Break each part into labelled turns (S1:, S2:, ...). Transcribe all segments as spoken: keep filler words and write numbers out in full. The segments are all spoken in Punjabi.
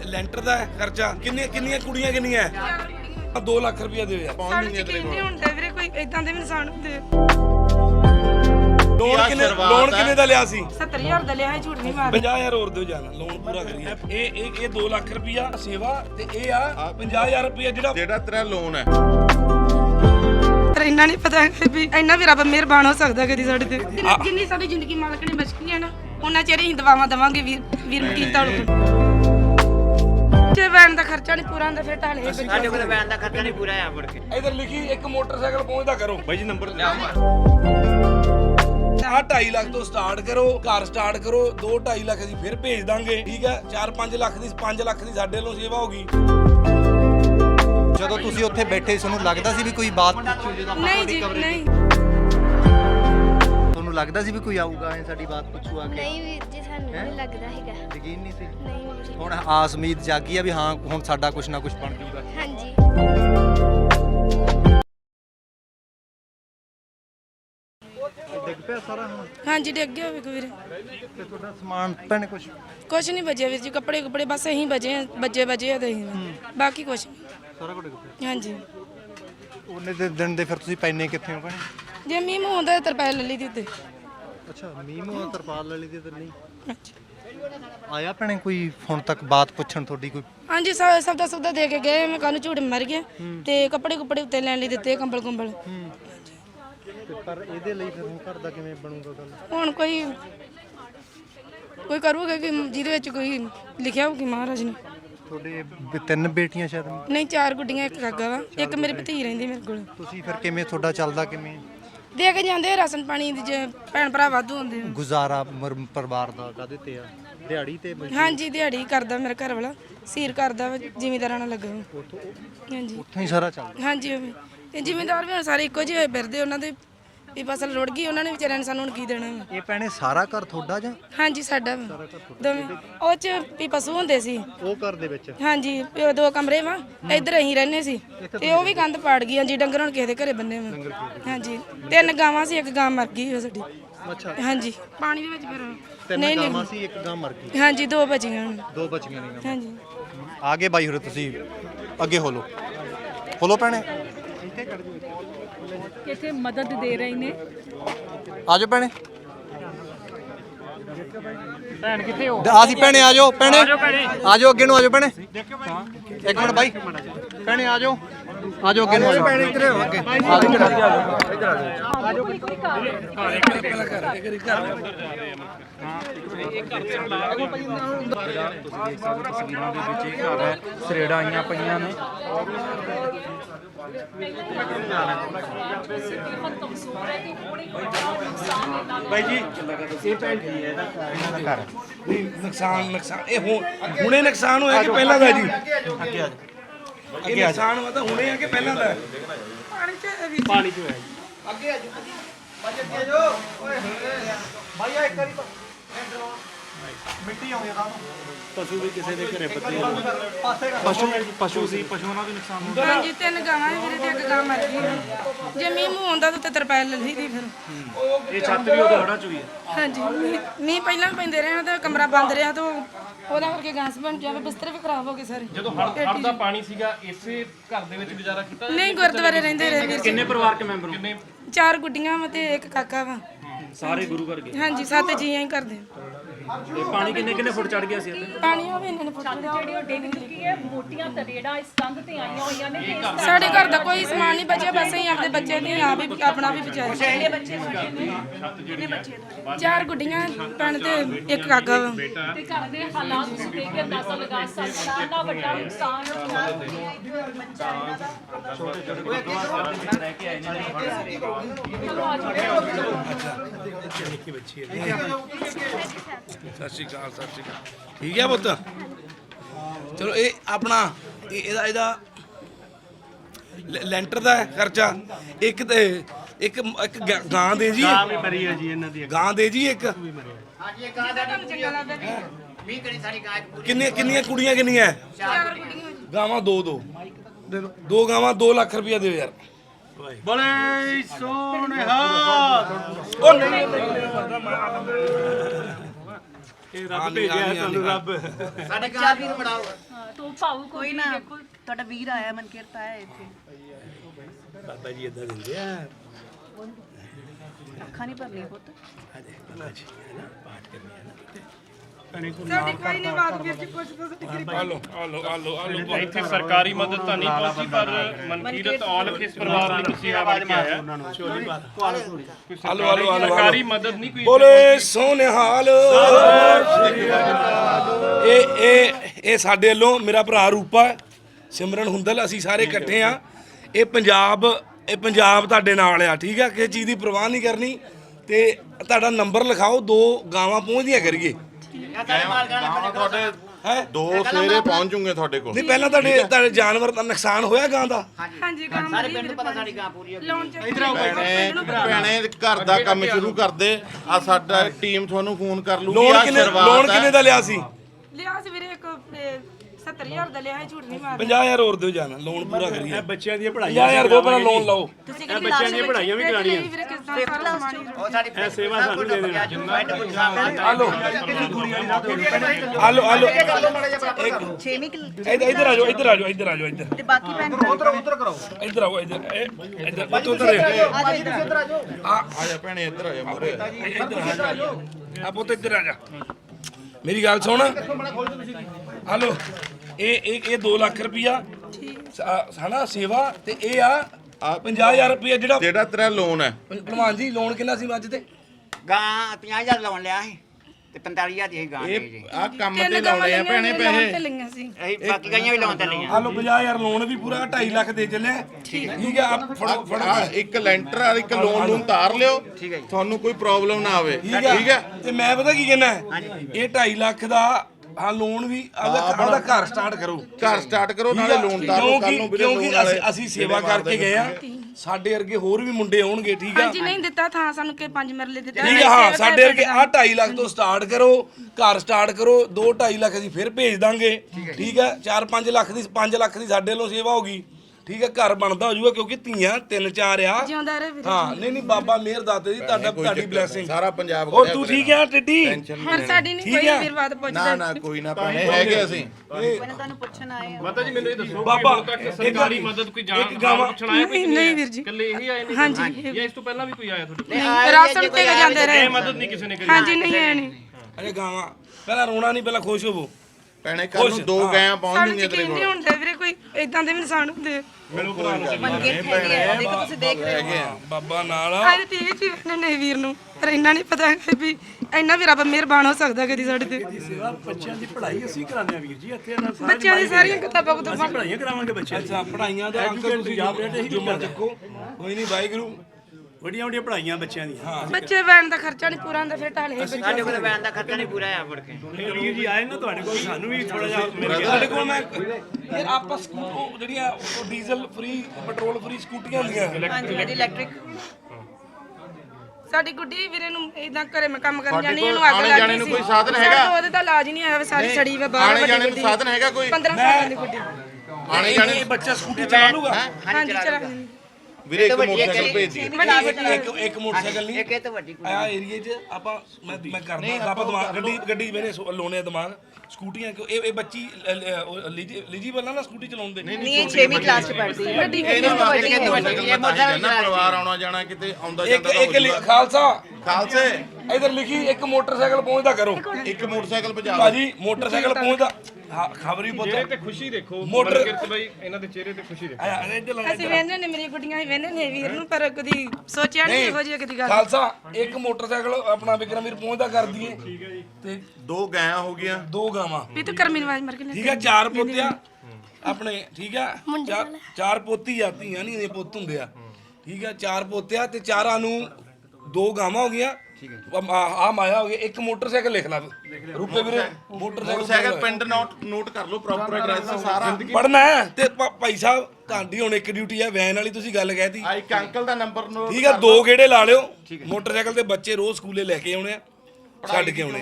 S1: ਲੈਂਟਰ ਦਾ ਖਰਚਾ ਕਿੰਨੇ ਕਿੰਨੀਆਂ ਕੁੜੀਆਂ ਕਿੰਨੀਆਂ ਦੋ ਲੱਖ ਰੁਪਇਆ ਦਿਓ ਯਾਰ।
S2: ਸਾਡੇ ਚ ਨਹੀਂ ਹੁੰਦਾ ਵੀਰੇ, ਕੋਈ ਇਦਾਂ ਦੇ ਇਨਸਾਨ ਹੁੰਦੇ।
S1: ਲੋਨ ਕਿੰਨੇ ਲੋਨ ਕਿੰਨੇ ਦਾ ਲਿਆ ਸੀ?
S2: ਸੱਤਰ ਹਜ਼ਾਰ ਦਾ ਲਿਆ ਹੈ, ਝੂਠ ਨਹੀਂ ਮਾਰ।
S1: ਪੰਜਾਹ ਹਜ਼ਾਰ ਹੋਰ ਦਿਓ ਜਾਣਾ, ਲੋਨ ਪੂਰਾ ਕਰੀਏ। ਇਹ ਇਹ ਇਹ ਦੋ ਲੱਖ ਰੁਪਇਆ ਸੇਵਾ ਤੇ ਇਹ ਆ ਪੰਜਾਹ ਹਜ਼ਾਰ ਰੁਪਇਆ ਜਿਹੜਾ
S3: ਜਿਹੜਾ ਤੇਰਾ ਲੋਨ ਹੈ।
S2: ਪਰ ਇੰਨਾ ਨਹੀਂ ਪਤਾ ਵੀ ਇੰਨਾ ਵੀ ਰੱਬ ਮਿਹਰਬਾਨ ਹੋ ਸਕਦਾ ਕਦੀ ਸਾਡੇ ਤੇ। ਜਿੰਨੀ ਸਾਡੀ ਜ਼ਿੰਦਗੀ ਮਾਲਕ ਨੇ ਬਚੀ ਹੈ ਨਾ, ਉਹਨਾਂ ਚਿਰ ਹੀ ਦਵਾਵਾਂ ਦੇਵਾਂਗੇ ਵੀਰ ਵੀਰ ਮਕੀਤਾਂ ਨੂੰ। ਜੇ ਵੈਨ ਦਾ ਖਰਚਾ ਨਹੀਂ ਪੂਰਾ ਹੁੰਦਾ ਫਿਰ ਢਾਲੇ।
S4: ਸਾਡੇ ਕੋਲ ਵੈਨ ਦਾ ਖਰਚਾ ਨਹੀਂ ਪੂਰਾ ਆ ਮੁੜ ਕੇ।
S1: ਇਧਰ ਲਿਖੀ ਇੱਕ ਮੋਟਰਸਾਈਕਲ ਪਹੁੰਚਦਾ ਕਰੋ
S3: ਬਾਈ ਜੀ ਨੰਬਰ ਲਿਆਵਾਂ।
S1: ਆਹ ਢਾਈ ਲੱਖ ਤੋਂ ਸਟਾਰਟ ਕਰੋ, ਘਰ ਸਟਾਰਟ ਕਰੋ। ਦੋ ਢਾਈ ਲੱਖ ਦੀ ਫਿਰ ਭੇਜ ਦਾਂਗੇ, ਠੀਕ ਹੈ। ਚਾਰ ਪੰਜ ਲੱਖ ਦੀ ਪੰਜ ਲੱਖ ਦੀ ਸਾਡੇ ਵੱਲੋਂ ਸੇਵਾ ਹੋਗੀ।
S5: ਜਦੋਂ ਤੁਸੀਂ ਉੱਥੇ ਬੈਠੇ ਤੁਹਾਨੂੰ ਲੱਗਦਾ ਸੀ ਵੀ ਕੋਈ ਬਾਤ ਪੁੱਛੂ? ਜਦੋਂ ਆਪਾਂ
S2: ਨਹੀਂ ਜੀ ਨਹੀਂ,
S5: ਤੁਹਾਨੂੰ ਲੱਗਦਾ ਸੀ ਵੀ ਕੋਈ ਆਊਗਾ ਐ ਸਾਡੀ ਬਾਤ ਪੁੱਛੂ ਆ ਕੇ?
S6: ਨਹੀਂ ਵੀਰ ਜੀ, ਸਾਨੂੰ ਨਹੀਂ ਲੱਗਦਾ ਹੈਗਾ।
S5: ਯਕੀਨ ਨਹੀਂ ਸੀ?
S6: ਨਹੀਂ ਵੀਰ ਜੀ।
S5: ਹੁਣ ਆਸ ਉਮੀਦ ਜਾਗੀ ਆ ਵੀ ਹਾਂ ਹੁਣ ਸਾਡਾ ਕੁਝ ਨਾ ਕੁਝ ਬਣ ਜਾਊਗਾ।
S6: ਹਾਂਜੀ।
S5: ਡਿੱਗ ਪਿਆ ਸਾਰਾ ਹੁਣ?
S2: ਹਾਂਜੀ ਡਿੱਗ ਗਿਆ ਵੇਖੋ ਵੀਰੇ।
S5: ਤੇ ਤੁਹਾਡਾ ਸਮਾਨ ਭੈਣ ਕੁਝ?
S2: ਕੁਛ ਨਹੀਂ ਬਚਿਆ ਵੀਰ ਜੀ, ਕੱਪੜੇ ਕੁਪੜੇ ਬਸ ਅਸੀਂ ਬਚੇ ਆ, ਬੱਜੇ ਬਚੇ ਆ ਤੇ ਅਸੀਂ ਬਾਕੀ ਕੁਛ ਨਹੀਂ।
S5: ਸਾਰਾ ਕੁਝ ਡਿੱਗ ਪਿਆ?
S2: ਹਾਂਜੀ।
S5: ਉਹਨੇ ਦੇ ਦਿਨ ਦੇ ਫਿਰ ਤੁਸੀਂ ਪੈਨੇ ਕਿੱਥੇ ਹੋ ਭੈਣੇ?
S2: ਜੇ ਮੀਂਹ ਮੂੰਹ ਹੁੰਦਾ ਤਰਪਾਲ ਲੈ ਲਈ ਦੀ ਉੱਤੇ।
S5: ਅੱਛਾ, ਮੀਂਹ ਮੂੰਹ ਤਰਪਾਲ ਵਾਲੀ ਦੀ ਤੇ ਨਹੀਂ ਆਇਆ ਭੈਣੇ ਕੋਈ ਹੁਣ ਤੱਕ ਬਾਤ ਪੁੱਛਣ ਤੁਹਾਡੀ ਕੋਈ?
S2: ਹਾਂਜੀ ਸਭ ਸਭ ਦਾ ਸੌਦਾ ਦੇ ਕੇ ਗਏ, ਮੈਂ ਕੱਲ ਝੂਠ ਮਰ ਗਿਆ ਤੇ ਕੱਪੜੇ ਕੁਪੜੇ ਉੱਤੇ ਲੈਣ ਲਈ ਦਿੱਤੇ, ਕੰਬਲ ਕੁੰਬਲ।
S5: ਤੇ ਪਰ ਇਹਦੇ ਲਈ ਫਿਰ ਹੁਣ ਘਰ ਦਾ ਕਿਵੇਂ ਬਣੂਗਾ ਗੱਲ?
S2: ਹੁਣ ਕੋਈ ਕੋਈ ਕਰੂਗਾ ਕਿ ਜਿਹਦੇ ਵਿੱਚ ਕੋਈ ਲਿਖਿਆ ਹੋਊਗੀ ਮਹਾਰਾਜ ਨੇ।
S5: ਤੁਹਾਡੇ ਬ- ਤਿੰਨ ਬੇਟੀਆਂ ਸ਼ਾਇਦ?
S2: ਨਹੀਂ ਚਾਰ ਗੁੱਡੀਆਂ, ਇੱਕ ਕਾਗਾ ਵਾ, ਇੱਕ ਮੇਰੀ ਭਤੀ ਰਹਿੰਦੀ ਮੇਰੇ ਕੋਲ।
S5: ਤੁਸੀਂ ਫਿਰ ਕਿਵੇਂ ਤੁਹਾਡਾ ਚੱਲਦਾ ਕਿਵੇਂ?
S2: ਦੇ ਕੇ ਜਾਂਦੇ ਆ ਰਾਸ਼ਨ ਪਾਣੀ ਦੀ, ਜੇ ਭੈਣ ਭਰਾ ਵਾਧੂ ਹੁੰਦੇ ਆ।
S5: ਗੁਜ਼ਾਰਾ ਮਰ- ਪਰਿਵਾਰ ਦਾ ਕਾਹਦੇ ਤੇ ਆ? ਦਿਹਾੜੀ ਤੇ ਮਜ਼ਦੂਰੀ?
S2: ਹਾਂਜੀ ਦਿਹਾੜੀ ਕਰਦਾ ਮੇਰਾ ਘਰ ਵਾਲਾ, ਸੀਰ ਕਰਦਾ ਵਾ, ਜ਼ਿਮੀਂਦਾਰਾਂ ਨਾਲ ਲੱਗਾ ਵਾ।
S5: ਉੱਥੋਂ
S2: ਹਾਂਜੀ
S5: ਉੱਥੋਂ ਹੀ ਸਾਰਾ ਚੱਲਦਾ?
S2: ਹਾਂਜੀ ਉਹ ਵੀ। ਤੇ ਜ਼ਿਮੀਂਦਾਰ ਵੀ ਹੁਣ ਸਾਰੇ ਇੱਕੋ ਜਿਹੇ ਹੋਏ ਫਿਰਦੇ, ਉਹਨਾਂ ਦੇ ਵੀ ਫਸਲ ਰੁੜ ਗਈ, ਉਹਨਾਂ ਨੇ ਵਿਚਾਰਿਆਂ ਨੇ ਸਾਨੂੰ ਹੁਣ ਕੀ ਦੇਣਾ ਵਾ।
S5: ਇਹ ਭੈਣੇ ਸਾਰਾ ਘਰ ਤੁਹਾਡਾ ਜਾਂ?
S2: ਹਾਂਜੀ ਸਾਡਾ ਵਾ ਦੋਵੇਂ। ਉਹ ਚ ਵੀ ਪਸ਼ੂ ਹੁੰਦੇ ਸੀ।
S5: ਉਹ ਘਰ ਦੇ ਵਿੱਚ?
S2: ਹਾਂਜੀ ਵੀ ਉਹ ਦੋ ਕਮਰੇ ਵਾ, ਇੱਧਰ ਅਸੀਂ ਰਹਿੰਦੇ ਸੀ ਤੇ ਉਹ ਵੀ ਕੰਧ ਪਾੜ ਗਈ। ਹਾਂਜੀ ਡੰਗਰ ਹੁਣ ਕਿਸੇ ਦੇ ਘਰੇ ਬੰਨੇ ਵਾ। ਹਾਂਜੀ ਤਿੰਨ ਗਾਵਾਂ ਸੀ, ਇੱਕ ਗਾਂ ਮਰ ਗਈ ਉਹ ਸਾਡੀ।
S5: ਅੱਛਾ,
S2: ਹਾਂਜੀ ਪਾਣੀ ਦੇ ਵਿੱਚ ਫਿਰ
S5: ਤਿੰਨ ਗਾਵਾਂ ਸੀ, ਇੱਕ ਗਾਂ ਮਰ ਗਈ।
S2: ਹਾਂਜੀ ਦੋ ਬਚੀਆਂ ਹੁਣ।
S5: ਦੋ ਬਚੀਆਂ ਨੇ ਗਾਵਾਂ।
S2: ਹਾਂਜੀ
S5: ਆਗੇ ਬਾਈ ਹੋਰੇ ਤੁਸੀਂ ਅੱਗੇ ਹੋਲੋ ਹੋਲੋ ਭੈਣੇ,
S7: ਕਿਥੇ ਮਦਦ ਦੇ ਰਹੇ ਨੇ।
S5: ਆਜੋ ਭੈਣੇ। ਭੈਣ ਕਿੱਥੇ ਹੋ? ਆ ਸੀ ਭੈਣੇ, ਆਜੋ ਭੈਣੇ, ਆਜੋ ਅੱਗੇ ਨੂੰ ਆਜੋ ਭੈਣੇ। ਇੱਕ ਮਿੰਟ ਬਾਈ, ਭੈਣੇ ਆਜੋ ਆਜੋ ਅੱਗੇ ਨੂੰ ਆਜੋ ਭੈਣੇ। ਇੱਧਰ ਹੋ ਅੱਗੇ, ਆਜੋ ਇੱਧਰ ਆਜੋ।
S8: ਤਸਵੀਰਾਂ ਦੇ ਵਿੱਚ ਇਹ ਘਰ ਹੈ, ਸਰੇੜਾਂ ਆਈਆਂ ਪਈਆਂ ਨੇ।
S1: ਬਾਈ ਜੀ ਇਹ ਭੈਣ ਜੀ ਹੈ ਇਹਨਾਂ ਦਾ ਘਰ ਨਹੀਂ ਨੁਕਸਾਨ ਨੁਕਸਾਨ ਇਹ ਹੁਣ ਹੁਣੇ ਨੁਕਸਾਨ ਹੋਇਆ ਕਿ ਪਹਿਲਾਂ ਦਾ ਜੀ?
S5: ਅੱਗੇ ਆਜੋ।
S1: ਇਹ ਨੁਕਸਾਨ ਹੋਇਆ ਤਾਂ ਹੁਣੇ ਆ ਕਿ ਪਹਿਲਾਂ ਦਾ?
S2: ਪਾਣੀ ਚ
S8: ਪਾਣੀ ਚ ਹੋਇਆ ਜੀ।
S5: ਅੱਗੇ ਆਜੋ ਬਾਈ, ਅੱਗੇ ਆਜੋ। ਓਏ ਬਾਈ ਆ ਇੱਕ ਵਾਰੀ ਮਿੱਟੀ ਆਉਂਦੀ ਆ।
S8: ਪਸ਼ੂ ਵੀ ਕਿਸੇ ਦੇ ਘਰੇ ਬੱਤੀ
S5: ਪਾਸੇ ਕਰ।
S8: ਪਸ਼ੂ ਪਸ਼ੂ ਸੀ, ਪਸ਼ੂਆਂ ਦਾ ਵੀ ਨੁਕਸਾਨ ਹੁੰਦਾ।
S2: ਹਾਂਜੀ ਤਿੰਨ ਗਾਵਾਂ ਸੀ ਵੀਰੇ ਤੇ ਇੱਕ ਗਾਂ ਮਰ ਗਈ। ਜੇ ਮੀਂਹ ਮੂੰਹ ਹੁੰਦਾ ਤਾਂ ਉੱਤੇ ਤਰਪਾਲ ਲੈ ਲਈ ਦੀ ਫਿਰ।
S8: ਇਹ ਛੱਤ ਵੀ ਉਹਦੇ ਹੜਾ ਚ ਹੋਈ ਹੈ।
S2: ਹਾਂਜੀ ਮੀਂਹ- ਮੀਂਹ ਪਹਿਲਾਂ ਪੈਂਦੇ ਰਹੇ ਤਾਂ ਕਮਰਾ ਬੰਦ ਰਿਹਾ ਤਾਂ ਉਹਦਾ ਕਰਕੇ ਗੈਸ ਬਣ ਜਾਵੇ, ਬਿਸਤਰੇ ਵੀ ਖਰਾਬ ਹੋ ਗਏ ਸਾਰੇ।
S8: ਜਦੋਂ ਹੜ ਦਾ ਪਾਣੀ ਸੀਗਾ ਇਸੇ ਘਰ ਦੇ ਵਿੱਚ ਗੁਜ਼ਾਰਾ ਕੀਤਾ?
S2: ਨਹੀਂ ਗੁਰਦੁਆਰੇ ਰਹਿੰਦੇ ਰਹੇ ਵੀਰ ਜੀ।
S8: ਕਿੰਨੇ ਪਰਿਵਾਰਕ ਮੈਂਬਰ ਹੋ? ਕਿੰਨੇ?
S2: ਚਾਰ ਗੁੱਡੀਆਂ ਵਾ ਤੇ ਇੱਕ ਕਾਕਾ ਵਾ।
S8: ਸਾਰੇ ਗੁਰੂ ਘਰ ਗਏ।
S2: ਹਾਂਜੀ ਸੱਤ ਜੀ ਐਂ ਕਰਦੇ।
S8: ਤੇ ਪਾਣੀ ਕਿੰਨੇ ਕਿੰਨੇ ਫੁੱਟ ਚੜ ਗਿਆ ਸੀ ਇੱਥੇ?
S2: ਪਾਣੀ ਉਹ ਵੀ ਇਹਨਾਂ ਨੇ ਪੁੱਛ
S7: ਜਿਹੜੀ ਉਹ ਡਿੱਗ ਚੁੱਕੀ ਹੈ, ਮੋਟੀਆਂ ਤਰੇੜਾਂ ਇਸ ਕੰਧ ਤੇ ਆਈਆਂ ਹੋਈਆਂ ਨੇ। ਤੇ ਇਸ
S2: ਸਾਡੇ ਘਰ ਦਾ ਕੋਈ ਸਮਾਨ ਨਹੀਂ ਬਚਿਆ, ਬਸ ਅਸੀਂ ਆਪਣੇ ਬੱਚੇ ਦੀ ਆਪ ਹੀ ਆਪਣਾ ਵੀ ਬਚਾਇਆ।
S7: ਕਿੰਨੇ ਬੱਚੇ ਤੁਹਾਡੇ ਨੇ? ਕਿੰਨੇ ਬੱਚੇ ਤੁਹਾਡੇ?
S2: ਚਾਰ ਗੁੱਡੀਆਂ ਭੈਣ ਤੇ ਇੱਕ ਕਾਕਾ ਵਾ।
S7: ਤੇ ਘਰ ਦੇ ਹਾਲਾਤ ਤੁਸੀਂ ਦੇਖ ਕੇ ਅੰਦਾਜ਼ਾ ਲਗਾ ਸਕਦੇ ਹੋ ਨਾ ਵੱਡਾ ਨੁਕਸਾਨ ਹੋਇਆ।
S1: ਨਿੱਕੀ ਬੱਚੀ ਹੈ। ਸਤਿ ਸ਼੍ਰੀ ਅਕਾਲ ਸਤਿ ਸ਼੍ਰੀ ਅਕਾਲ। ਠੀਕ ਹੈ ਪੁੱਤ? ਚਲੋ ਇਹ ਆਪਣਾ ਇਹ- ਇਹਦਾ ਇਹਦਾ ਲੈ- ਲੈਂਟਰ ਦਾ ਖਰਚਾ ਇੱਕ ਤੇ ਇੱਕ ਇੱਕ ਗ- ਗਾਂ ਦੇ ਜੀ,
S8: ਗਾਂ ਵੀ ਮਰੀ ਹੈ ਜੀ ਇਹਨਾਂ ਦੀ।
S1: ਗਾਂ ਦੇ ਜੀ ਇੱਕ।
S4: ਹਾਂਜੀ ਇਹ ਗਾਂ ਦਾ ਮੀਂਹ ਕਰੀ ਸਾਰੀ ਗਾਂ ਪੂਰੀ।
S1: ਕਿੰਨੇ ਕਿੰਨੀਆਂ ਕੁੜੀਆਂ ਕਿੰਨੀਆਂ?
S2: ਚਾਰ ਗੁੱਡੀਆਂ।
S1: ਗਾਵਾਂ ਦੋ ਦੋ ਦੇ ਦਿਓ। ਦੋ ਗਾਵਾਂ ਦੋ ਲੱਖ ਰੁਪਇਆ ਦਿਓ ਯਾਰ।
S8: ਬੜੇ ਸੋਹਣੇ ਹਾ।
S1: ਉਹ ਨਹੀਂ ਇਹ ਰੱਬ ਭੇਜਿਆ ਤੁਹਾਨੂੰ ਰੱਬ
S4: ਸਾਡੇ ਘਰ ਵੀ ਬਣਾਓ
S7: ਹਾਂ, ਤੂੰ ਭਾਵੁਕ ਹੋ
S3: ਕੋਈ
S7: ਗਈ
S3: ਨਾ
S7: ਬਿਲਕੁਲ।
S3: ਤੁਹਾਡਾ ਵੀਰ ਆਇਆ ਮਨਕੀਰਤ ਆਇਆ ਇੱਥੇ
S1: ਬਾਬਾ ਜੀ ਇਦਾਂ ਦਿੰਦੇ ਆ
S3: ਅੱਖਾਂ ਨਹੀਂ ਭਰਨੀਆਂ ਪੁੱਤ
S1: ਬਾਬਾ ਜੀ ਹੈ ਨਾ ਪਾਠ ਕਰਨੀ ਹੈ ਨਾ
S2: ਸਾਡੀ ਕੋਈ ਨਹੀਂ ਬਾਤ ਵੀਰ ਜੀ ਕੁਛ ਤਾਂ ਸਾਡੀ ਗਰੀਬ
S1: ਆ ਲੋ ਆ ਲੋ ਆ ਲੋ ਆ ਲੋ
S8: ਇੱਥੇ ਸਰਕਾਰੀ ਮਦਦ ਤਾਂ ਨਹੀਂ ਪਹੁੰਚੀ ਪਰ ਮਨਕੀਰਤ ਔਲਖ ਇਸ ਪਰਿਵਾਰ ਲਈ ਕਿਸੇ ਆਵਾਜ਼ ਕੇ ਆਇਆ
S1: ਆਲੋ ਆਲੋ ਆਲੋ
S8: ਸਰਕਾਰੀ ਮਦਦ ਨਹੀਂ ਕੋਈ
S1: ਬੋਲੇ ਸੋਨਿਹਾਲ ਇਹ ਇਹ ਇਹ ਸਾਡੇ ਵੱਲੋਂ ਮੇਰਾ ਭਰਾ ਰੂਪਾ ਸਿਮਰਨ ਹੁੰਦਲ ਅਸੀਂ ਸਾਰੇ ਇਕੱਠੇ ਆ ਇਹ ਪੰਜਾਬ ਇਹ ਪੰਜਾਬ ਤੁਹਾਡੇ ਨਾਲ ਆ ਠੀਕ ਆ ਕਿਸੇ ਚੀਜ਼ ਦੀ ਪਰਵਾਹ ਨਹੀਂ ਕਰਨੀ ਤੇ ਤੁਹਾਡਾ ਨੰਬਰ ਲਿਖਾਓ ਦੋ ਗਾਵਾਂ ਪਹੁੰਚਦੀਆਂ ਕਰੀਏ
S9: ਤੁਹਾਡੇ
S1: ਹੈ
S9: ਦੋ ਸਵੇਰੇ ਪਹੁੰਚ ਜੂਗੇ ਤੁਹਾਡੇ ਕੋਲ
S1: ਨਹੀਂ ਪਹਿਲਾਂ ਤੁਹਾਡੇ ਤੁਹਾਡੇ ਜਾਨਵਰ ਦਾ ਨੁਕਸਾਨ ਹੋਇਆ ਗਾਂ ਦਾ
S2: ਹਾਂਜੀ ਕੰਮ
S4: ਸਾਰੇ ਪਿੰਡ ਨੂੰ ਪਤਾ ਸਾਡੀ ਗਾਂ ਪੂਰੀ ਹੈ
S2: ਲੋਨ ਚੱਕ
S9: ਭੈਣੇ ਭੈਣੇ ਘਰ ਦਾ ਕੰਮ ਸ਼ੁਰੂ ਕਰਦੇ ਆ ਸਾਡਾ ਟੀਮ ਤੁਹਾਨੂੰ ਫੋਨ ਕਰ ਲੂਗੀ
S1: ਲੋਨ
S9: ਆ
S1: ਕਿੰਨੇ
S9: ਸ਼ੁਰੂਆਤ
S1: ਲੋਨ
S9: ਹੈ।
S1: ਕਿੰਨੇ ਦਾ ਲਿਆ ਸੀ
S2: ਲਿਆ ਸੀ ਵੀਰੇ ਇੱਕ ਇਹ, ਸੱਤਰ ਹਜ਼ਾਰ ਦਾ ਲਿਆ ਹੈ ਝੂਠ ਨਹੀਂ ਮਾਰਦਾ
S1: ਪੰਜਾਹ ਹਜ਼ਾਰ ਹੋਰ ਦਿਓ ਜਾਣਾ ਲੋਨ ਪੂਰਾ ਕਰੀਏ
S8: ਬੱਚਿਆਂ ਦੀਆਂ
S1: ਪੰਜਾਹ ਹਜ਼ਾਰ ਕੋ ਪਹਿਲਾਂ ਲੋਨ ਲਾਓ
S2: ਤੁਸੀਂ ਕਿਹੜੀ ਬੱਚਿਆਂ ਦੀਆਂ ਪੜ੍ਹਾਈਆਂ ਵੀ ਕਰਾਣੀਆਂ ਵੀਰੇ ਕਿਸ ਤਰ੍ਹਾਂ ਸਾਰਾ ਸਮਾਨ ਹੀ
S4: ਉਹ ਸਾਡੀ ਸੇਵਾ ਸਾਨੂੰ ਦੇ ਦੇਣਾ
S1: ਆਲੋ ਆਲੋ ਆਲੋ
S3: ਛੇਵੀਂ ਕਲ-
S1: ਇੱਧਰ ਇੱਧਰ ਆ ਜਾਓ ਇੱਧਰ ਆ ਜਾਓ ਇੱਧਰ ਆ ਜਾਓ ਇੱਧਰ
S3: ਤੇ ਬਾਕੀ ਭੈਣ ਭਰਾ
S1: ਇੱਧਰ ਆਓ ਇੱਧਰ ਇਹ- ਇੱਧਰ ਪੁੱਤ ਉੱਧਰ ਆ
S9: ਆ ਜਾ ਭੈਣੇ ਇੱਧਰ ਆ ਜਾ ਮੋਰੇ
S1: ਇੱਧਰ ਆ ਜਾ ਆ ਪੁੱਤ ਇੱਧਰ ਆ ਜਾ ਮੇਰੀ ਗੱਲ ਸੁਣ ਹਲੋ ਇਹ ਇਹ ਇਹ ਦੋ ਲੱਖ ਰੁਪਿਆ ਹਨਾ ਸੇਵਾ ਤੇ ਇਹ ਆ ਪੰਜਾਹ ਹਜ਼ਾਰ ਰੁਪਿਆ ਜਿਹੜਾ
S9: ਜਿਹੜਾ ਤੇਰਾ ਲੋਨ ਹੈ
S1: ਭਲਵਾਨ ਜੀ ਲੋਨ ਕਿੰਨਾ ਸੀ ਅੱਜ ਤੇ
S4: ਗਾਂ ਪੰਜਾਹ ਹਜ਼ਾਰ ਲਾਉਣ ਲਿਆ ਸੀ ਤੇ ਪੰਤਾਲੀ ਹਜ਼ਾਰ ਦੀ ਗਾਂ ਲਈ ਜੀ
S9: ਇਹ ਆ ਕੰਮ ਤੇ
S2: ਤਿੰਨ
S9: ਲਾਉਣੇ ਆ ਭੈਣੇ
S2: ਲੋਨ ਤੇ
S9: ਪੈਸੇ
S2: ਲਈਆਂ ਸੀ
S4: ਅਸੀਂ ਬਾਕੀ ਗਾਈਆਂ ਵੀ ਲਾਉਣ ਤੇ ਲਈਆਂ
S1: ਹਲੋ ਪੰਜਾਹ ਹਜ਼ਾਰ ਲੋਨ ਵੀ ਪੂਰਾ ਢਾਈ ਲੱਖ ਦੇ ਚੱਲੇ ਠੀਕ ਹੈ ਆ ਫੜੋ ਫੜੋ
S9: ਆ ਇੱਕ ਲੈਂਟਰ ਆ ਇੱਕ ਲੋਨ ਨੂੰ ਉਤਾਰ ਲਿਓ ਤੁਹਾਨੂੰ ਕੋਈ ਪ੍ਰੋਬਲਮ ਨਾ ਆਵੇ ਠੀਕ ਹੈ
S1: ਤੇ ਮੈਂ ਪਤਾ ਕੀ ਕਹਿਣਾ ਇਹ ਢਾਈ ਲੱਖ ਦਾ ਹਾਂ ਲੋਨ ਵੀ ਆਪਦਾ ਆਪਦਾ ਘਰ ਸਟਾਰਟ ਕਰੋ
S9: ਘਰ ਸਟਾਰਟ ਕਰੋ ਨਾਲੇ ਲੋਨ ਉਤਾਰ ਲਓ ਕੱਲ ਨੂੰ
S1: ਕਿਉਂਕਿ
S9: ਵੀਰੇ ਲੋਨ
S1: ਕਿਉਂਕਿ
S9: ਵਾਲੇ
S1: ਅਸੀਂ ਅਸੀਂ ਸੇਵਾ ਕਰਕੇ ਗਏ ਆ ਸਾਡੇ ਵਰਗੇ ਹੋਰ ਵੀ ਮੁੰਡੇ ਆਉਣਗੇ ਠੀਕ ਆ
S2: ਹਾਂਜੀ ਨਹੀਂ ਦਿੱਤਾ ਥਾਂ ਸਾਨੂੰ ਕਿ ਪੰਜ ਮਰਲੇ ਦਿੱਤਾ
S1: ਠੀਕ ਹੈ ਹਾਂ ਸਾਡੇ ਵਰਗੇ ਆ ਢਾਈ ਲੱਖ ਤੋਂ ਸਟਾਰਟ ਕਰੋ ਘਰ ਸਟਾਰਟ ਕਰੋ ਦੋ ਢਾਈ ਲੱਖ ਅਸੀਂ ਫਿਰ ਭੇਜ ਦਾਂਗੇ ਠੀਕ ਹੈ ਚਾਰ ਪੰਜ ਲੱਖ ਦੀ ਪੰਜ ਲੱਖ ਦੀ ਸਾਡੇ ਵੱਲੋਂ ਸੇਵਾ ਹੋਗੀ ਠੀਕ ਹੈ ਘਰ ਬਣਦਾ ਹੋ ਜਾਊਗਾ ਕਿਉਂਕਿ ਧੀਆਂ ਤਿੰਨ ਚਾਰ ਆ
S2: ਜਿਉਂਦਾ ਰਹੇ ਵੀਰੇ
S1: ਹਾਂ ਨਹੀਂ ਨਹੀਂ ਬਾਬਾ ਮਿਹਰ ਦਾਤੇ ਜੀ ਤੁਹਾਡਾ ਤੁਹਾਡੀ ਬਲੇਸਿੰਗ
S9: ਸਾਰਾ ਪੰਜਾਬ
S1: ਹੋਰ ਤੂੰ ਠੀਕ ਆ ਟਿੱਡੀ
S2: ਹੁਣ ਸਾਡੀ ਨਹੀਂ
S1: ਠੀਕ
S2: ਕੋਈ
S1: ਹੈ।
S2: ਵੀਰ ਬਾਤ
S9: ਨਾ
S2: ਪੁੱਛਦਾ
S9: ਨਾ ਕੋਈ ਨਾ ਭੈਣੇ ਹੈਗੇ ਅਸੀਂ
S3: ਮੈंने ਤੁਹਾਨੂੰ ਪੁੱਛਣ ਆਏ ਆ
S8: ਮਾਤਾ ਜੀ ਮੈਨੂੰ ਇਹ ਦੱਸੋ
S1: ਬਾਬਾ,
S8: ਸਰਕਾਰੀ ਮਦਦ ਕੋਈ ਜਾਣ
S1: ਇੱਕ ਗਾਵਾਂ-
S8: ਪੁੱਛਣ ਆਇਆ ਕੋਈ
S2: ਨਹੀਂ ਨਹੀਂ ਵੀਰ ਜੀ
S8: ਇਕੱਲੇ ਇਹੀ ਆਏ ਨੇ
S2: ਹਾਂਜੀ
S8: ਜਾਂ ਇਸ ਤੋਂ ਪਹਿਲਾਂ ਵੀ ਕੋਈ ਆਇਆ ਤੁਹਾਡੇ
S2: ਨਹੀਂ, ਰਾਸ਼ਨ ਤੇ ਜਾਂਦੇ ਰਹੇ
S8: ਇਹ ਮਦਦ ਨਹੀਂ ਕਿਸੇ ਨੇ ਕਰੀ
S2: ਹਾਂਜੀ ਨਹੀਂ ਹੈ ਨਹੀਂ
S1: ਅਰੇ ਗਾਵਾਂ ਪਹਿਲਾਂ ਰੋਣਾ ਨਹੀਂ ਪਹਿਲਾਂ ਖੁਸ਼ ਹੋਵੋ
S9: ਭੈਣੇ ਕੱਲ ਨੂੰ ਦੋ ਗਾਂ ਪਹੁੰਚ
S2: ਸਾਨੂੰ
S9: ਜੂਗੀਆਂ ਤੇਰੇ
S2: ਯਕੀਨ
S9: ਕੋਲ
S2: ਨਹੀਂ ਹੁੰਦਾ ਵੀਰੇ ਕੋਈ ਇਦਾਂ ਦੇ ਵੀ ਇਨਸਾਨ ਹੁੰਦੇ
S3: ਮਨਕੀਰਤ ਹੈਗੀ ਹੈ ਦੇਖੋ ਤੁਸੀਂ ਦੇਖ ਰਹੇ ਹੋ
S1: ਹਾਂ, ਬਾਬਾ ਨਾਲ
S2: ਅੱਜ ਟੀਵੀ 'ਚ ਵੇਖਣੇ ਨੇ ਵੀਰ ਨੂੰ ਪਰ ਇੰਨਾ ਨਹੀਂ ਪਤਾ ਹੈ ਵੀ ਇੰਨਾ ਵੀ ਰੱਬ ਮਿਹਰਬਾਨ ਹੋ ਸਕਦਾ ਕਦੀ ਸਾਡੇ ਤੇ
S8: ਬੱਚਿਆਂ ਦੀ ਪੜ੍ਹਾਈ ਅਸੀਂ ਕਰਾਉਂਦੇ ਆ ਵੀਰ ਜੀ ਇੱਥੇ
S2: ਬੱਚਿਆਂ ਦੀ ਸਾਰੀਆਂ ਕਿਤਾਬਾਂ ਕੁਤਾਬਾਂ
S8: ਪੜ੍ਹਾਈਆਂ ਕਰਾਵਾਂਗੇ ਬੱਚੇ
S1: ਅੱਛਾ ਪੜਾਈਆਂ ਦਾ ਅੰਕਲ ਤੁਸੀਂ ਜੁਮਾ ਚੱਕੋ ਕੋਈ ਨਹੀਂ ਵਾਹਿਗੁਰੂ
S8: ਵੱਡੀਆਂ ਵੱਡੀਆਂ ਪੜ੍ਹਾਈਆਂ ਬੱਚਿਆਂ ਦੀਆਂ
S2: ਬੱਚੇ ਵੈਣ ਦਾ ਖਰਚਾ ਨਹੀਂ ਪੂਰਾ ਹੁੰਦਾ ਫਿਰ ਢਾਲੇ ਬੱਚੇ
S4: ਸਾਡੇ ਕੋਲ ਵੈਨ ਦਾ ਖਰਚਾ ਨਹੀਂ ਪੂਰਾ ਆ ਮੁੜ ਕੇ
S8: ਵੀਰ ਜੀ ਆਏ ਨਾ ਤੁਹਾਡੇ ਕੋਲ ਸਾਨੂੰ ਵੀ ਥੋੜਾ ਜਿਹਾ ਮਿਲ ਗਿਆ
S1: ਸਾਡੇ ਕੋਲ ਮੈਂ ਯਾਰ ਆਪਾਂ ਸਕੂਟਰ ਜਿਹੜੀਆਂ ਉਹ ਡੀਜ਼ਲ ਫ੍ਰੀ ਪੈਟਰੋਲ ਫ੍ਰੀ ਸਕੂਟੀਆਂ ਹੁੰਦੀਆਂ
S3: ਹਾਂਜੀ ਹਾਂਜੀ ਇਲੈਕਟ੍ਰਿਕ
S2: ਸਾਡੀ ਗੁੱਡੀ ਵੀਰੇ ਨੂੰ ਇਦਾਂ ਘਰੇ ਮੈਂ ਕੰਮ ਕਰਨ
S9: ਤੁਹਾਡੇ
S2: ਜਾਣੀ
S9: ਕੋਲ
S2: ਇਹਨੂੰ ਅੱਗ
S9: ਆਉਣੇ
S2: ਲੱਗ
S9: ਜਾਣੇ
S2: ਗਈ
S9: ਨੂੰ
S2: ਸੀ
S9: ਕੋਈ ਸਾਧਨ ਹੈਗਾ?
S2: ਸਾਡੇ ਉਹਦੇ ਤਾਂ ਇਲਾਜ ਹੀ ਨਹੀਂ ਆਇਆ ਸਾਰੀ ਸੜੀ ਵੇ ਬਾਹਰ
S9: ਆਣੇ
S2: ਵੱਡੀ
S9: ਜਾਣੇ ਨੂੰ
S2: ਗੁੱਡੀ
S9: ਸਾਧਨ ਹੈਗਾ ਕੋਈ
S2: ਪੰਦਰਾਂ ਸਾਲਾਂ ਦੀ ਗੁੱਡੀ
S9: ਆਣੇ ਜਾਣੇ
S1: ਇਹ ਬੱਚਾ ਸਕੂਟੀ ਚਲਾ ਲੂਗਾ
S2: ਹਾਂਜੀ ਚਲਾ
S9: ਵੀਰੇ ਇੱਕ ਮੋਟਰਸਾਈਕਲ ਭੇਜ ਦੀ
S1: ਇੱਕ ਇੱਕ ਮੋਟਰਸਾਈਕਲ ਨਹੀਂ
S4: ਇੱਕ ਇਹ ਤੋਂ ਵੱਡੀ ਕੋਈ
S1: ਆ ਏਰੀਏ 'ਚ ਆਪਾਂ ਮੈਂ ਮੈਂ ਕਰਦਾ ਆਪਾਂ ਦਿਮਾਗ ਗੱਡੀ ਗੱਡੀ ਮੈਨੇ ਲੋਨੇ ਦਿਮਾਗ ਸਕੂਟੀਆਂ ਕਿਉਂ ਇਹ ਇਹ ਬੱਚੀ ਐਲੀਜੀਬਲ ਨਾ ਸਕੂਟੀ ਚਲਾਉਣ ਦੇ
S3: ਨਹੀਂ ਇਹ ਛੇਵੀਂ ਕਲਾਸ ਚ ਪੜ੍ਹਦੀ ਹੈ
S2: ਵੱਡੀ
S9: ਇਹਨਾਂ
S2: ਗੁੱਡੀ
S9: ਵਾਸਤੇ ਕਿ ਮੋਟਰਸਾਈਕਲ ਮੈਂ ਨਾ ਪਰਿਵਾਰ ਆਉਣਾ ਜਾਣਾ ਕਿਤੇ ਆਉਂਦਾ
S1: ਇੱਕ
S9: ਜਾਂਦਾ
S1: ਇੱਕ ਲਿ- ਖਾਲਸਾ
S9: ਖਾਲਸੇ
S1: ਇਧਰ ਲਿਖੀ ਇੱਕ ਮੋਟਰਸਾਈਕਲ ਪਹੁੰਚਦਾ ਕਰੋ
S9: ਇੱਕ ਮੋਟਰਸਾਈਕਲ ਭਜਾ
S1: ਭਾਜੀ ਮੋਟਰਸਾਈਕਲ ਪਹੁੰਚਦਾ ਹਾਂ ਖਬਰੀ ਪੁੱਤ
S8: ਚਿਹਰੇ ਤੇ ਖੁਸ਼ੀ ਦੇਖੋ
S1: ਮੋਟਰ-
S8: ਮਨਕੀਰਤ ਬਾਈ ਇਹਨਾਂ ਦੇ ਚਿਹਰੇ ਤੇ ਖੁਸ਼ੀ ਦੇਖੋ
S1: ਆਇਆ ਇੱਧਰ ਲਾ
S2: ਅਸੀਂ ਵੇਖਦੇ ਨੇ ਮੇਰੀ ਗੁੱਡੀਆਂ ਹੀ ਵੇਖਦੇ ਨੇ ਵੀਰ ਨੂੰ ਪਰ ਕਦੀ ਸੋਚਿਆ ਨਹੀਂ ਇਹੋ ਜਿਹੀ ਕਦੀ ਗੱਲ
S1: ਖਾਲਸਾ ਇੱਕ ਮੋਟਰਸਾਈਕਲ ਆਪਣਾ ਵਿਕਰਮ ਵੀਰ ਪਹੁੰਚਦਾ ਕਰ ਦਈਏ ਠੀਕ ਹੈ ਜੀ ਤੇ
S9: ਦੋ ਗਾਂ ਹੋ ਗਈਆਂ
S1: ਦੋ ਗਾਵਾਂ
S2: ਵੀ ਤੂੰ ਕਰਮੀ ਨਵਾਜ਼ ਮਰ ਕੇ ਲੈ
S1: ਠੀਕ ਹੈ ਚਾਰ ਪੋਤਿਆਂ ਆਪਣੇ ਠੀਕ ਹੈ ਚਾਰ- ਚਾਰ ਪੋਤੀ ਆ ਧੀਆਂ ਨਹੀਂ ਇਹ ਪੁੱਤ ਹੁੰਦੇ ਆ ਠੀਕ ਹੈ ਚਾਰ ਪੋਤਿਆਂ ਤੇ ਚਾਰਾਂ ਨੂੰ ਦੋ ਗਾਵਾਂ ਹੋ ਗਈਆਂ ਆ ਮਾਇਆ ਹੋ ਗਿਆ ਇੱਕ ਮੋਟਰਸਾਈਕਲ ਲਿਖ ਲਾ ਰੁਪਏ ਵੀਰੇ
S9: ਮੋਟਰਸਾਈਕਲ
S1: ਮੋਟਰਸਾਈਕਲ
S9: ਪਿੰਡ ਨੋਟ ਨੋਟ ਕਰ ਲਓ ਪ੍ਰੋਪਰ ਐਡਰੈਸ ਸਾਰਾ
S1: ਪੜਨਾ ਤੇ ਭਾ- ਭਾਈ ਸਾਹਿਬ ਤੁਹਾਡੀ ਹੁਣ ਇੱਕ ਡਿਊਟੀ ਆ ਵੈਨ ਵਾਲੀ ਤੁਸੀਂ ਗੱਲ ਕਹਿਤੀ
S9: ਆ ਇੱਕ ਅੰਕਲ ਦਾ ਨੰਬਰ ਨੋਟ
S1: ਠੀਕ ਆ ਦੋ ਗੇੜੇ ਲਾ ਲਿਓ ਮੋਟਰਸਾਈਕਲ ਤੇ ਬੱਚੇ ਰੋਜ਼ ਸਕੂਲੇ ਲੈ ਕੇ ਆਉਣੇ ਆ ਛੱਡ ਕੇ ਆਉਣੇ ਆ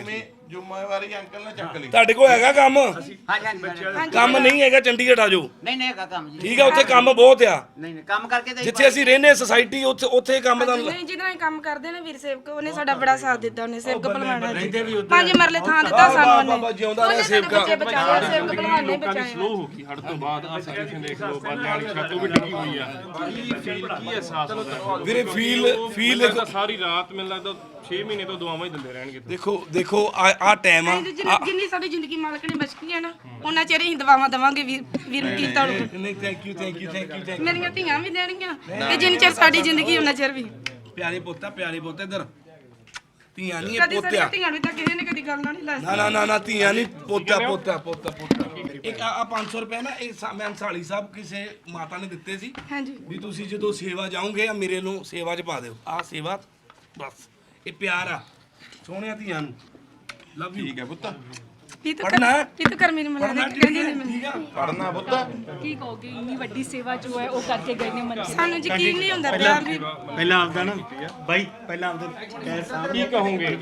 S9: ਜ਼ਿੰਮੇਵਾਰੀ ਅੰਕਲ ਨੇ ਚੱਕ ਲਈ।
S1: ਤੁਹਾਡੇ ਕੋਲ ਹੈਗਾ ਕੰਮ?
S4: ਹਾਂਜੀ ਹਾਂਜੀ
S1: ਕੰਮ ਨਹੀਂ ਹੈਗਾ ਚੰਡੀਗੜ੍ਹ ਆ ਜਾਓ।
S4: ਨਹੀਂ ਨਹੀਂ ਹੈਗਾ ਕੰਮ ਜੀ।
S1: ਠੀਕ ਹੈ, ਉੱਥੇ ਕੰਮ ਬਹੁਤ ਆ।
S4: ਨਹੀਂ ਨਹੀਂ ਕੰਮ ਕਰਕੇ ਤੇ
S1: ਜਿੱਥੇ ਅਸੀਂ ਰਹਿੰਦੇ ਸੁਸਾਇਟੀ ਉੱਥੇ ਉੱਥੇ ਕੰਮ ਦਾ
S2: ਨਹੀਂ ਜਿਹਦਾ ਅਸੀਂ ਕੰਮ ਕਰਦੇ ਨੇ ਵੀਰ ਸੇਵਕ ਉਹਨੇ ਸਾਡਾ ਬੜਾ ਸਾਥ ਦਿੱਤਾ। ਉਹਨੇ ਸੇਵਕ ਭਲਵਾਨਾਂ ਜੀ ਪੰਜ ਮਰਲੇ ਥਾਂ ਦਿੱਤਾ ਸਾਨੂੰ ਉਹਨੇ।
S1: ਬਾਬਾ ਜਿਉਂਦਾ ਰਿਹਾ
S2: ਉਹਨੇ ਸਾਡੇ
S1: ਸੇਵਕਾ।
S2: ਬੱਚੇ ਬਚਾਏ, ਸੇਵਕ ਭਲਵਾਨ ਨੇ
S8: ਲੋਕਾਂ ਦੀ
S2: ਬਚਾਏ।
S8: ਸਲੋ ਹੋ ਗਈ ਹੜ ਤੋਂ ਬਾਅਦ ਆ ਸਿਚੁਏਸ਼ਨ ਦੇਖ ਲਓ, ਬਾਲਿਆਂ ਵਾਲੀ ਛੱਤ ਉਹ ਵੀ ਡਿੱਗੀ ਹੋਈ ਆ। ਕੀ ਫੀਲ ਕੀ ਅਹਿਸਾਸ ਹੁੰਦਾ
S1: ਵੀਰੇ ਫੀਲ ਫੀਲ
S8: ਲੱਗਦਾ ਸਾਰੀ ਰਾਤ ਮੈਨੂੰ ਲੱਗਦਾ ਛੇ ਮਹੀਨੇ ਤੋਂ ਦੁਆਵਾਂ ਹੀ ਦਿੰਦੇ ਰਹਿਣਗੇ।
S1: ਦੇਖੋ ਦੇਖੋ ਆ ਆ ਟਾਈਮ ਆ।
S2: ਜਿੰਨੀ ਜਿੰਨੀ ਸਾਡੀ ਜ਼ਿੰਦਗੀ ਮਾਲਕ ਨੇ ਬਖਸ਼ੀ ਹੈ ਨਾ ਉਹਨਾਂ ਚਿਰ ਅਸੀਂ ਦੁਆਵਾਂ ਦੇਵਾਂਗੇ ਵੀਰ ਵੀਰ ਮਕੀਰਤਾ ਨੂੰ।
S1: ਨਹੀਂ thank you thank you thank you thank
S2: ਮੇਰੀਆਂ ਧੀਆਂ ਵੀ ਦੇਣਗੀਆਂ ਤੇ ਜਿੰਨੀ ਚਿਰ ਸਾਡੀ ਜ਼ਿੰਦਗੀ ਉਹਨਾਂ ਚਿਰ ਵੀ।
S1: ਪਿਆਰੇ ਪੋਤਾ ਪਿਆਰੇ ਪੋਤਾ ਇੱਧਰ ਧੀਆਂ ਨਹੀਂ ਇਹ
S2: ਕਦੀ
S1: ਪੋਤਿਆ।
S2: ਸਾਡੀਆਂ ਧੀਆਂ ਨੂੰ ਤਾਂ ਕਿਸੇ ਨੇ ਕਦੀ ਗੱਲ ਨਾਲ ਨਹੀਂ ਲਾ
S1: ਨਾ ਨਾ ਨਾ ਨਾ ਧੀਆਂ ਨਹੀਂ ਪੋਤਾ ਪੋਤਾ ਪੋਤਾ ਪੋਤਾ। ਇੱਕ ਆ ਪੰਜ ਸੌ ਰੁਪਏ ਨਾ ਇਹ ਸਾ- ਮੈਂ ਅੰਸਾਲੀ ਸਾਹਿਬ ਕਿਸੇ ਮਾਤਾ ਨੇ ਦਿੱਤੇ ਸੀ
S2: ਹਾਂਜੀ
S1: ਵੀ ਤੁਸੀਂ ਜਦੋਂ ਸੇਵਾ ਜਾਓਗੇ ਆ ਮੇਰੇ ਨੂੰ ਸੇਵਾ 'ਚ ਪਾ ਦਿਓ। ਆ ਸੇਵਾ ਬਸ ਇਹ ਪਿਆਰ ਆ ਸੋਹਣਿਆਂ ਧੀਆਂ ਨੂੰ। Love you. ਠੀਕ ਹੈ ਪੁੱਤ
S2: ਇਹ ਤਾਂ
S1: ਪੜ੍ਹਨਾ ਹੈ?
S2: ਇਹ ਤਾਂ ਕਰ ਮੇਰੀ ਮਨਾ
S1: ਪੜਨਾ
S2: ਦੇ ਕਹਿੰਦੀ ਨਹੀਂ
S1: ਠੀਕ ਆ
S9: ਪੜਨਾ ਪੁੱਤ।
S7: ਕੀ ਕਹੋਗੇ ਇੰਨੀ ਵੱਡੀ ਸੇਵਾ ਜੋ ਹੈ ਉਹ ਕਰਕੇ ਗਏ ਨੇ ਮਨ
S2: ਸਾਨੂੰ ਯਕੀਨ ਨਹੀਂ ਹੁੰਦਾ ਪਿਆ ਵੀ
S10: ਪਹਿਲਾਂ ਆਪਦਾ ਨਾ ਬਾਈ ਪਹਿਲਾਂ ਆਪਦਾ ਕਹਿ ਸਾਹਿਬ
S8: ਕੀ ਕਹੋਗੇ?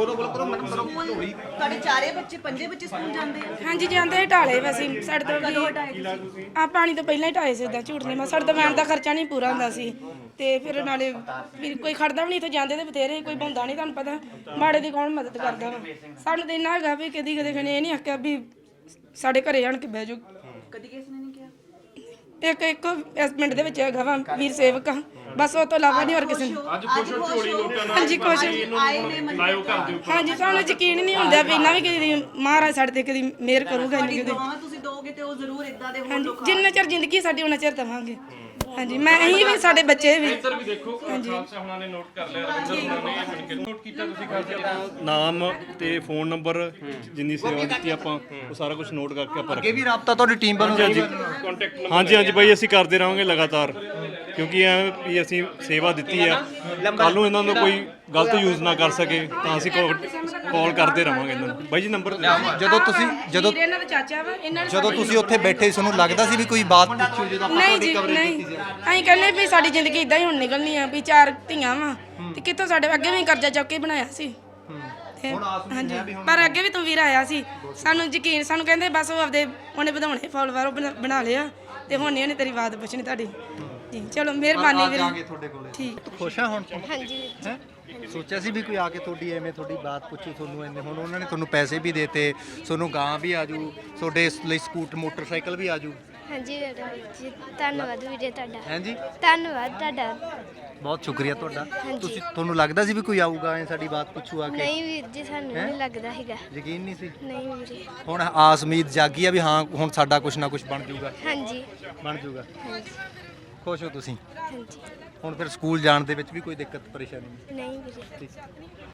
S3: ਤੁਹਾਡੇ ਚਾਰੇ ਬੱਚੇ ਪੰਜੇ ਬੱਚੇ ਸਕੂਲ ਜਾਂਦੇ ਆ।
S2: ਹਾਂਜੀ ਜਾਂਦੇ ਢਾਲੇ ਵੈਸੇ ਸਾਡੇ ਤੋਂ ਵੀ ਆ ਪਾਣੀ ਤੋਂ ਪਹਿਲਾਂ ਹੀ ਢਾਏ ਸੀ ਉਦਾਂ ਝੂਠ ਨਹੀਂ ਮੈਂ ਸਾਡੇ ਤੋਂ ਵੈਨ ਦਾ ਖਰਚਾ ਨਹੀਂ ਪੂਰਾ ਹੁੰਦਾ ਸੀ ਤੇ ਫਿਰ ਨਾਲੇ ਵੀ ਕੋਈ ਖੜਦਾ ਵੀ ਨਹੀਂ ਇੱਥੇ ਜਾਂਦੇ ਤੇ ਬਥੇਰੇ ਕੋਈ ਬੰਦਾ ਨਹੀਂ ਤੁਹਾਨੂੰ ਪਤਾ ਮਾੜੇ ਦੀ ਕੌਣ ਮਦਦ ਕਰਦਾ ਵਾ ਸਾਨੂੰ ਤਾਂ ਇੰਨਾ ਹੈਗਾ ਵੀ ਕਦੀ ਕਦੇ ਖਣੇ ਇਹ ਨਹੀਂ ਆਖਿਆ ਵੀ ਸਾਡੇ ਘਰੇ ਆਣ ਕੇ ਬਹਿ ਜਾਓ
S3: ਕਦੀ ਕਿਸੇ ਨੇ ਨਹੀਂ ਕਿਹਾ
S2: ਇੱਕ ਇੱਕ ਇਸ ਪਿੰਡ ਦੇ ਵਿੱਚ ਹੈਗਾ ਵਾ ਵੀਰ ਸੇਵਕ ਆ ਬਸ ਉਹ ਤੋਂ ਇਲਾਵਾ ਨਹੀਂ ਹੋਰ ਕਿਸੇ ਨੇ
S8: ਅੱਜ ਖੁਸ਼ ਹੋ ਝੋਲੀ ਲੋਕਾਂ ਨਾਲ
S2: ਹਾਂਜੀ ਕੁਛ
S3: ਆਏ ਨੇ ਮੰਨ
S8: ਲਾਇਓ ਘਰ ਦੇ ਉੱਪਰ।
S2: ਹਾਂਜੀ ਸਾਨੂੰ ਯਕੀਨ ਨਹੀਂ ਹੁੰਦਾ ਵੀ ਇੰਨਾ ਵੀ ਕਦੀ ਮਹਾਰਾਜ ਸਾਡੇ ਤੇ ਕਦੀ ਮਿਹਰ ਕਰੂਗਾ ਇੰਨੀ ਕਦੀ
S3: ਦੁਆਵਾਂ ਤੁਸੀਂ ਦੋਗੇ ਤੇ ਉਹ ਜ਼ਰੂਰ ਇਦਾਂ ਦੇ ਹੋਣ
S2: ਹਾਂਜੀ
S3: ਲੋਕਾਂ
S2: ਜਿੰਨਾ ਚਿਰ ਜ਼ਿੰਦਗੀ ਸਾਡੀ ਉਹਨਾਂ ਚਿਰ ਦੇਵਾਂਗੇ ਹਾਂਜੀ ਮੈਂ ਅਸੀਂ ਵੀ ਸਾਡੇ ਬੱਚੇ ਵੀ
S8: ਇੱਧਰ ਵੀ ਦੇਖੋ ਖਾਲਸਾ ਹੁਣਾਂ ਨੇ ਨੋਟ ਕਰ ਲਿਆ, ਰਵਿੰਦਰ ਹੁਣਾਂ ਨੇ ਬਣ ਕੇ ਨੋਟ ਕੀਤਾ ਤੁਸੀਂ ਖਾਲਸਾ ਦਾ
S10: ਨਾਮ ਤੇ ਫੋਨ ਨੰਬਰ ਜਿੰਨੀ ਸੇਵਾ ਦਿੱਤੀ ਆਪਾਂ ਉਹ ਸਾਰਾ ਕੁਝ ਨੋਟ ਕਰਕੇ ਆਪਾਂ
S5: ਅੱਗੇ ਵੀ ਰਾਬਤਾ ਤੁਹਾਡੀ ਟੀਮ ਵੱਲੋਂ
S10: ਹਾਂਜੀ
S8: ਕੰਟੈਕਟ ਨੰਬਰ
S10: ਹਾਂਜੀ ਹਾਂਜੀ ਬਾਈ ਅਸੀਂ ਕਰਦੇ ਰਹਾਂਗੇ ਲਗਾਤਾਰ ਕਿਉਂਕਿ ਐ ਵੀ ਅਸੀਂ ਸੇਵਾ ਦਿੱਤੀ ਆ ਕੱਲ ਨੂੰ ਇਹਨਾਂ ਨੂੰ ਕੋਈ ਗਲਤ ਯੂਜ਼ ਨਾ ਕਰ ਸਕੇ ਤਾਂ ਅਸੀਂ ਕਾਲ ਕਰਦੇ ਰਹਾਂਗੇ ਇਹਨਾਂ ਨੂੰ। ਬਾਈ ਜੀ ਨੰਬਰ
S5: ਜਦੋਂ ਤੁਸੀਂ ਜਦੋਂ
S2: ਵੀਰ ਇਹਨਾਂ ਦਾ ਚਾਚਾ ਵਾ ਇਹਨਾਂ ਨੇ
S5: ਜਦੋਂ ਤੁਸੀਂ ਉੱਥੇ ਬੈਠੇ ਤੁਹਾਨੂੰ ਲੱਗਦਾ ਸੀ ਵੀ ਕੋਈ ਬਾਤ ਪੁੱਛੋ ਜਦੋਂ ਆਪਾਂ
S2: ਨਹੀਂ
S5: ਤੁਹਾਡੀ
S2: ਜੀ
S5: ਕਵਰੇਜ
S2: ਨਹੀਂ
S5: ਕੀਤੀ ਸੀ
S2: ਅਸੀਂ ਕਹਿੰਦੇ ਵੀ ਸਾਡੀ ਜ਼ਿੰਦਗੀ ਇਦਾਂ ਹੀ ਹੁਣ ਨਿਕਲਣੀ ਆ ਵੀ ਚਾਰ ਧੀਆਂ ਵਾ ਤੇ ਕਿੱਥੋਂ ਸਾਡੇ ਅੱਗੇ ਵੀ ਕਰਜ਼ਾ ਚੁੱਕ ਕੇ ਬਣਾਇਆ ਸੀ ਤੇ ਹਾਂਜੀ ਪਰ ਅੱਗੇ ਵੀ ਤੂੰ ਵੀਰ ਆਇਆ ਸੀ ਸਾਨੂੰ ਯਕੀਨ ਸਾਨੂੰ ਕਹਿੰਦੇ ਬਸ ਉਹ ਆਪਦੇ ਉਹਨੇ ਵਧਾਉਣੇ ਫੋਲੋਵਰ ਉਹ ਬਣਾ- ਬਣਾ ਲਿਆ ਤੇ ਹੁਣ ਨਹੀਂ ਉਹਨੇ ਤੇਰੀ ਬਾਤ ਪੁੱਛਣੀ ਤੁਹਾਡੀ ਜੀ ਚਲੋ ਮਿਹਰਬਾਨੀ
S5: ਅੱਜ ਆ ਗਏ
S2: ਵੀਰ
S5: ਤੁਹਾਡੇ ਕੋਲੇ
S2: ਠੀਕ
S5: ਖੁਸ਼ ਆ ਹੁਣ
S6: ਹਾਂਜੀ ਵੀਰ ਜੀ।
S5: ਹੈਂ? ਸੋਚਿਆ ਸੀ ਵੀ ਕੋਈ ਆ ਕੇ ਤੁਹਾਡੀ ਐਵੇਂ ਤੁਹਾਡੀ ਬਾਤ ਪੁੱਛੂ ਤੁਹਾਨੂੰ ਇੰਨੇ ਹੁਣ ਉਹਨਾਂ ਨੇ ਤੁਹਾਨੂੰ ਪੈਸੇ ਵੀ ਦੇਤੇ ਤੁਹਾਨੂੰ ਗਾਂ ਵੀ ਆਜੂ ਤੁਹਾਡੇ ਲਈ ਸਕੂਟਰ ਮੋਟਰਸਾਈਕਲ ਵੀ ਆਜੂ
S6: ਹਾਂਜੀ ਵੀਰ ਜੀ ਧੰਨਵਾਦ ਵੀਰੇ ਤੁਹਾਡਾ
S5: ਹਾਂਜੀ
S6: ਧੰਨਵਾਦ ਤੁਹਾਡਾ
S5: ਬਹੁਤ ਸ਼ੁਕਰੀਆ ਤੁਹਾਡਾ
S6: ਹਾਂਜੀ।
S5: ਤੁਸੀਂ ਤੁਹਾਨੂੰ ਲੱਗਦਾ ਸੀ ਵੀ ਕੋਈ ਆਊਗਾ ਐ ਸਾਡੀ ਬਾਤ ਪੁੱਛੂ ਆ ਕੇ
S6: ਨਹੀਂ ਵੀਰ ਜੀ ਸਾਨੂੰ ਨਹੀਂ ਲੱਗਦਾ ਹੈਗਾ
S5: ਯਕੀਨ ਨਹੀਂ ਸੀ
S6: ਨਹੀਂ ਵੀਰੇ
S5: ਹੁਣ ਆਸ ਉਮੀਦ ਜਾਗੀ ਆ ਵੀ ਹਾਂ ਹੁਣ ਸਾਡਾ ਕੁਝ ਨਾ ਕੁਝ ਬਣ ਜਾਊਗਾ
S6: ਹਾਂਜੀ
S5: ਬਣ ਜਾਊਗਾ
S6: ਹਾਂਜੀ
S5: ਖੁਸ਼ ਹੋ ਤੁਸੀਂ
S6: ਹਾਂਜੀ
S5: ਹੁਣ ਫਿਰ ਸਕੂਲ ਜਾਣ ਦੇ ਵਿੱਚ ਵੀ ਕੋਈ ਦਿੱਕਤ ਪਰੇਸ਼ਾਨੀ ਨਹੀਂ
S6: ਨਹੀਂ ਵੀਰੇ
S5: ਠੀਕ